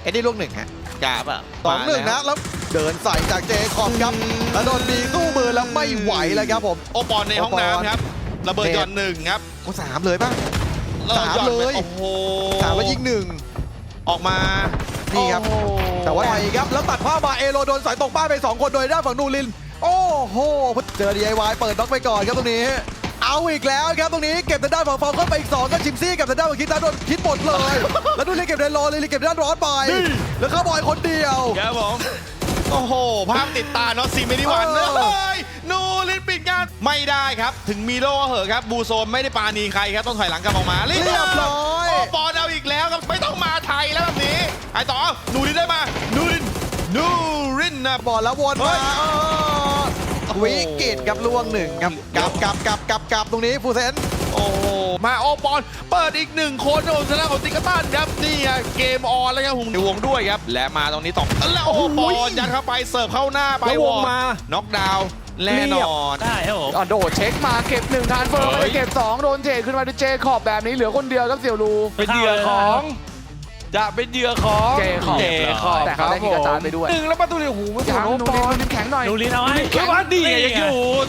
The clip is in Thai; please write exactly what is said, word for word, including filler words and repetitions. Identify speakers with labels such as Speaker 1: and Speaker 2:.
Speaker 1: เอ็ดดี้ลูกหนึ่งฮะ
Speaker 2: กาบอ่ะ
Speaker 1: สองหนึ่งนะแล้วเดินใส่จากเจคอบครับแล้วโดนดีสู้มือแล้วไม่ไหวแล้วครับผม
Speaker 2: โอปอนในห้องน้ำครับระเบิดหย่อนหนึ่งครับ
Speaker 1: ก็สามเลยป่ะ สามเลย
Speaker 2: โอ้โห
Speaker 1: สามแล้วยิงหนึ่ง
Speaker 2: ออกมา
Speaker 1: นี่ครับ
Speaker 2: โอ้โห
Speaker 1: แต่ว่าไปครับแล้วตัดภาพมาเอโรโดนสายตกบ้านไปสองคนโดยด้านฝั่งนูรินโอ้โหเจอ ดี ไอ วาย เปิดน็อกไปก่อนครับตรงนี้ เอาอีกแล้วครับตรงนี้เก็บทางด้านฝั่งฟอลเข้าไปอีกสองก็ชิมซี่กับทางด้านฝั่งคิดนะโดนคิดหมดเลย แล้วดูเล่นเก็บเดนรอเลยเก็บด้านร้อนไปแล้วเขาบอยคนเดียว
Speaker 2: ครับผมโอ้โหภาพติดตาเนาะซีเมดิวัน
Speaker 1: เออ
Speaker 2: เลยนูรินปิดงานไม่ได้ครับ ถึงมีโล่เหอะครับบูโซนไม่ได้ปาณีใครครับต้องถอยหลังกลับออกมา
Speaker 1: เรียบร้อย
Speaker 2: โอ้ปอนเอาอีกแล้วครับไม่ต้องมาไทยแล้วแบบนี้ไอต่อเอานูรินได้มานูรินนูรินนะ
Speaker 1: บอลแล้ววน
Speaker 2: เฮ้
Speaker 1: มาย เออ
Speaker 2: โอ้โห
Speaker 1: วิกฤตกับล่วงหนึ่งครับกลับกลับกลับกลับกลับตรงนี้ฟูเซน
Speaker 2: โอ้โหมาโอปอนเปิดอีกหนึ่งคนโอ้ชนะของติกตันครับนี่ไงเกมออนแล้วครับหุงในวงด้วยครับและมาตรงนี้ต่อแล้วโอ้โหปอนยัดเข้าไปเสิร์ฟเข้าหน้าไป
Speaker 3: แล้ววงมา
Speaker 2: น็อกดาวน์แน่นอน
Speaker 3: ได้ครับผม
Speaker 4: อ่ะโดดเช็คมาเก็บหนึ่งทานเฟิร์ม
Speaker 2: เฮ้
Speaker 4: ไป
Speaker 2: ย
Speaker 4: เก็บสองโดนเทขึ้นมาด้วยเจขอบแบบนี้เหลือคนเดียวครับเสี่ยวรู
Speaker 3: เป็นเหยื่อของ
Speaker 5: จะเป็นเหยื่อของ
Speaker 4: เจขอบ
Speaker 5: เจขอบ
Speaker 4: แต่เขาได้
Speaker 5: ค
Speaker 4: คิ
Speaker 5: รั
Speaker 4: ก
Speaker 5: บ
Speaker 4: ระจายไปด้วย
Speaker 5: หนึ่งแล้วประตูเนี่ยโอ้โหไม่
Speaker 4: ยั
Speaker 5: ถึ
Speaker 4: ง
Speaker 5: ง
Speaker 4: นู
Speaker 5: โอป
Speaker 4: ริน
Speaker 5: อน
Speaker 4: นูรินแข็งหน่อย
Speaker 3: นูรินเอาไว้
Speaker 5: เฮ้ยวันดีไงยังอยู่